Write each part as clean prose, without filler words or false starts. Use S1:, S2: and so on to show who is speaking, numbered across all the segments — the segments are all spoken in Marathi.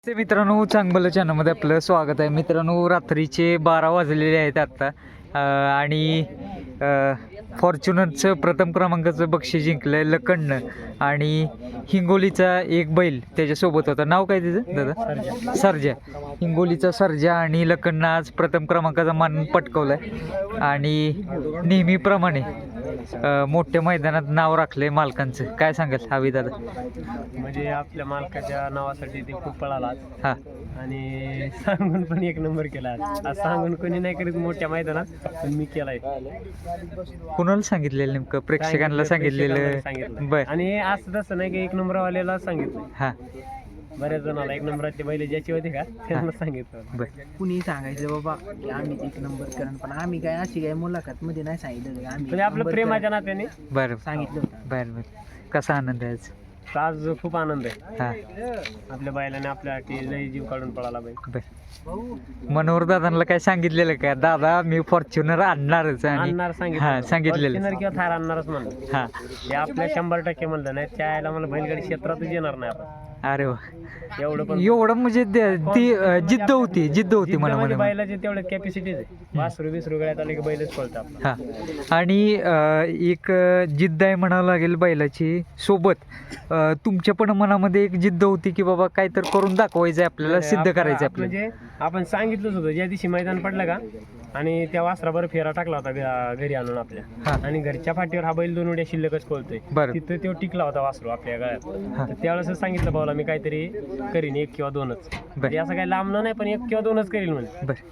S1: ते मित्रांनो चांगलं चॅनलमध्ये आपलं स्वागत आहे. मित्रांनो रात्रीचे 12 वाजलेले आहेत आत्ता आणि फॉर्च्युनरचं प्रथम क्रमांकाचं बक्षीस जिंकलं आहे लखननं आणि हिंगोलीचा एक बैल त्याच्यासोबत होता. नाव काय त्याचं दादा? सर्जा. हिंगोलीचा सर्जा आणि लखननं आज प्रथम क्रमांकाचा मान पटकवला आहे आणि नेहमीप्रमाणे मोठ्या मैदानात नाव राखलंय मालकांचं. काय सांगाल हवी दादा?
S2: म्हणजे आपल्या मालकाच्या नावासाठी ते खूप पळाला
S1: हां
S2: आणि सांगून पण एक नंबर केला आज सांगून कोणी नाही करीत मोठ्या मैदानात, पण मी केलाय.
S1: कुणाला सांगितलेलं नेमकं? प्रेक्षकांना सांगितलेलं. बर.
S2: आणि असं तसं नाही की एक नंबरवाल्याला सांगितलं,
S1: हां
S2: बऱ्याच जणाला एक नंबरचे बैल ज्याची होते का त्यांना सांगितलं.
S1: बर.
S3: कुणी सांगायचं बाबा की आम्ही एक नंबर करण, पण आम्ही काय अशी काय मुलाखत मध्ये नाही सांगितलं की आम्ही
S2: म्हणजे आपलं प्रेमाच्या नात्याने
S1: बरं
S3: सांगितलं होतं.
S1: बरं बरं. कसा आनंद आहे आज?
S2: आज खूप आनंद आहे.
S1: हां
S2: आपल्या बैलाने आपल्यासाठी लई जीव काढून पळाला बैल.
S1: बरं. मनोहर दादांना काय सांगितलेलं का? दादा मी फॉर्च्युनर आणणारच आणि
S2: आणणार
S1: हां सांगितलेलं.
S2: Fortuner किंवा थार आणणारच म्हणलं.
S1: हां
S2: हे आपल्या 100% म्हणलं नाही त्याला मला बैलगाडी क्षेत्रातच येणार नाही आपण.
S1: अरे वा.
S2: एवढं पण
S1: एवढं म्हणजे ती जिद्द होती म्हणा
S2: म्हणजे
S1: म्हणा.
S2: बैलाचे तेवढे कॅपॅसिटीज आहे. वासरू गळ्यात आले की बैलच पळतं आपलं.
S1: हां आणि एक जिद्द आहे म्हणावं लागेल बैलाची सोबत तुमच्या पण मनामध्ये एक जिद्द होती की बाबा काय तर करून दाखवायचं आहे आपल्याला, सिद्ध करायचं आहे आपल्याला.
S2: म्हणजे आपण सांगितलंच होतं ज्या दिवशी मैदान पडलं का आणि त्या वासराबर फेरा टाकला होता घरी आणून आपल्या,
S1: हां
S2: आणि घरच्या फाटीवर हा बैल 2 उड्या शिल्लकच पळतोय.
S1: बरं.
S2: तिथं तो टिकला होता वासरू आपल्या गळ्यात.
S1: हां.
S2: तर त्यावेळेस सांगितलं भाऊला मी काहीतरी करीन 1 किंवा 2च. म्हणजे असं काही लांबणं नाही, पण 1 किंवा 2च करील म्हणजे.
S1: बरं.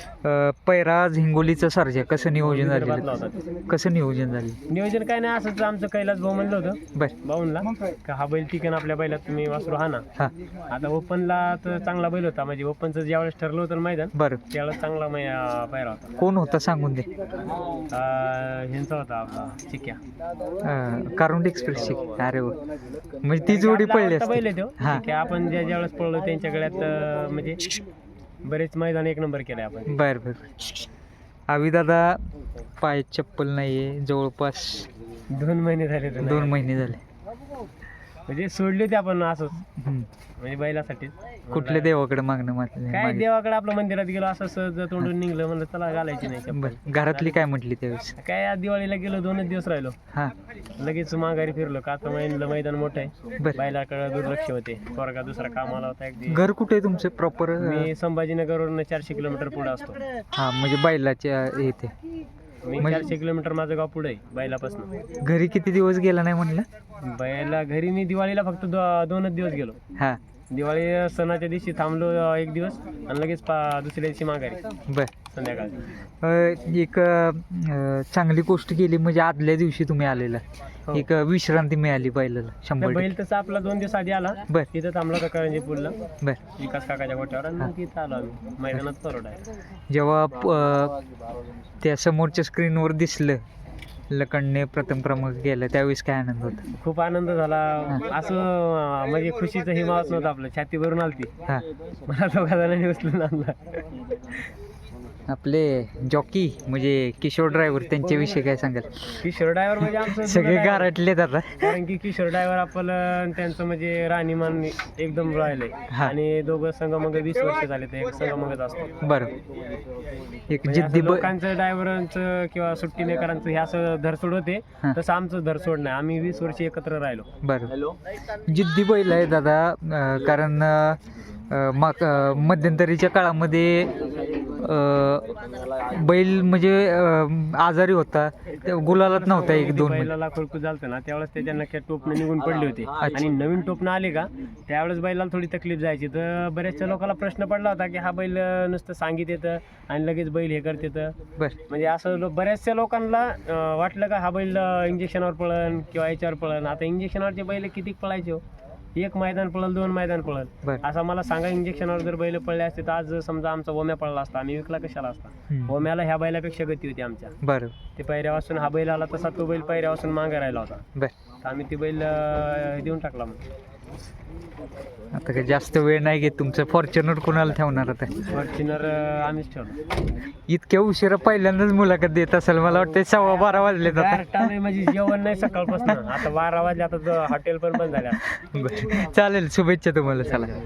S1: पैराज हिंगोलीचं सर्जा कसं नियोजन
S2: विदर्भातला
S1: झालं?
S2: होता.
S1: कसं नियोजन झालं?
S2: नियोजन काय नाही, असंच आमचं कैलास भाऊ म्हणलं होतं
S1: बरं.
S2: भाऊंला का हा बैल टिकेन आपल्या बैलात, तुम्ही वासरू हा ना.
S1: हां
S2: आता ओपनला तर चांगला बैल होता, म्हणजे ओपनचं ज्यावेळेस ठरलं होतं मैदान
S1: बरं.
S2: त्यावेळेस चांगला पायरा होता.
S1: कोण होता सांगून दे.
S2: ह्यांचा होता आपला चिक्या.
S1: कारुंड एक्सप्रेसची. अरे वा. म्हणजे ती जोडी पडली
S2: आपला बैल आहे तो
S1: हां
S2: चिक्या. आपण ज्यावेळेस पळलो त्यांच्या गळ्यात म्हणजे बरेच मैदान 1 नंबर केले आपण.
S1: बर बर. आवी दादा पाय चप्पल नाहीये जवळपास
S2: 2 महिने झाले तर
S1: 2 महिने झाले.
S2: म्हणजे सोडली होती आपण असंच,
S1: हम्म.
S2: म्हणजे बैलासाठी.
S1: कुठल्या देवाकडे मागणं
S2: काय देवाकडे आपलं मंदिरात गेलो असं सहज तोंडून निघलं, म्हणलं चला घालायची नाही चप्पल.
S1: बर. घरातली काय म्हटली त्यावेळेस?
S2: काय आज दिवाळीला गेलो 2च दिवस राहिलो,
S1: हां
S2: लगेच माघारी फिरलो का आता मैदान मोठं आहे.
S1: बर.
S2: बैलाकडे दुर्लक्ष होते. पोरगा दुसरा कामाला होता एक दिवस.
S1: घर कुठे आहे तुमचं प्रॉपर?
S2: मी संभाजीनगरवरून 400 किलोमीटर पुढे असतो.
S1: हां म्हणजे बैलाच्या इथे.
S2: मी 400 किलोमीटर माझं गाव पुढे आहे बैलापासून.
S1: घरी किती दिवस गेला नाही म्हणलं?
S2: बैला घरी मी दिवाळीला फक्त 2च दिवस गेलो.
S1: हां
S2: दिवाळी सणाच्या दिवशी थांबलो 1 दिवस आणि लगेच दुसऱ्या दिवशी माघारी
S1: बर.
S2: संध्याकाळी.
S1: एक चांगली गोष्ट केली म्हणजे आदल्या दिवशी तुम्ही आलेला
S2: हो.
S1: एक विश्रांती मिळाली बैलाला 100%.
S2: बैल तसा आपला 2 दिवस आधी आला.
S1: बर
S2: तिथं थांबला होता करंजी पूलला
S1: बर.
S2: विकास काकाच्या गोट्यावर, आणि मग तिथं आलो आम्ही मैदानात परवड आहे.
S1: जेव्हा त्या समोरच्या स्क्रीनवर दिसलं लखनने प्रथम क्रमांक गेला त्यावेळेस काय आनंद होता?
S2: खूप आनंद झाला. असं म्हणजे खुशीचं हिमावत नव्हतं, आपलं छाती भरून आलती.
S1: हां
S2: मला 2 जणांनी उचलून आणला.
S1: आपले जॉकी म्हणजे किशोर ड्रायव्हर त्यांच्याविषयी काय सांगाल?
S2: किशोर ड्रायव्हर म्हणजे आमचं
S1: सगळे
S2: जुनं driver.
S1: गारटलेत आता.
S2: कारण की किशोर ड्रायव्हर आपलं त्यांचं म्हणजे राहणीमान एकदम राहिलंय.
S1: हा.
S2: आणि दोघं संगमंग 20 वर्ष झाले ते एक संगमंगच असतो.
S1: बरं. एक
S2: म्हणजे
S1: जिद्दी
S2: असं लोकांचं ड्रायव्हरांचं किंवा सुट्टीनेकरांचं हे असं धरसोड होते,
S1: हा.
S2: तसं आमचं धरसोड नाही. आम्ही 20 वर्ष एकत्र राहिलो.
S1: बरं. जिद्दी बैल आहे दादा. कारण मध्यंतरीच्या काळामध्ये बैल म्हणजे आजारी होता, गुलालात नव्हता 1-2 महिने.
S2: बैलाला खुळकू झालतं ना त्यावेळेस त्याच्या नक्की टोपणं निघून पडली होती, आणि नवीन टोपणं आले का त्यावेळेस बैलाला थोडी तकलीफ जायची. तर बऱ्याचशा लोकांना प्रश्न पडला होता की हा बैल नुसतं सांगित येतं आणि लगेच बैल हे करत येतं.
S1: बरं.
S2: म्हणजे असं बऱ्याचशा लोकांना वाटलं का हा बैल इंजेक्शनवर पळन किंवा याच्यावर पळन. आता इंजेक्शनवरचे बैल किती पळायचे हो? 1 मैदान पळल, 2 मैदान पळल.
S1: बरं.
S2: असं मला सांगा, इंजेक्शनवर जर बैल पळले असते तर आज समजा आमचा ओम्या पळला असता, आम्ही विकला कशाला असता? ओम्याला ह्या बैलापेक्षा गती होती आमच्या.
S1: बरं
S2: ते पायऱ्यापासून हा बैल आला तसा तो बैल पायऱ्यापासून मागे राहिला होता.
S1: बरं.
S2: तर आम्ही ते बैल देऊन टाकला. मग
S1: आता काय जास्त वेळ नाही घेत. तुमचं फॉर्च्युनर कोणाला ठेवणार आता?
S2: फॉर्च्युनर आम्हीच ठेवलो.
S1: इतक्या उशिरा पहिल्यांदाच मुलाखत देत असेल मला वाटतं. 12:15 वाजले आता.
S2: Direct आलोय, म्हणजे जेवण नाही सकाळपासून. आता 12 वाजले, आता हॉटेल पण बंद झाल्या.
S1: बरं चालेल. शुभेच्छा तुम्हाला. चला.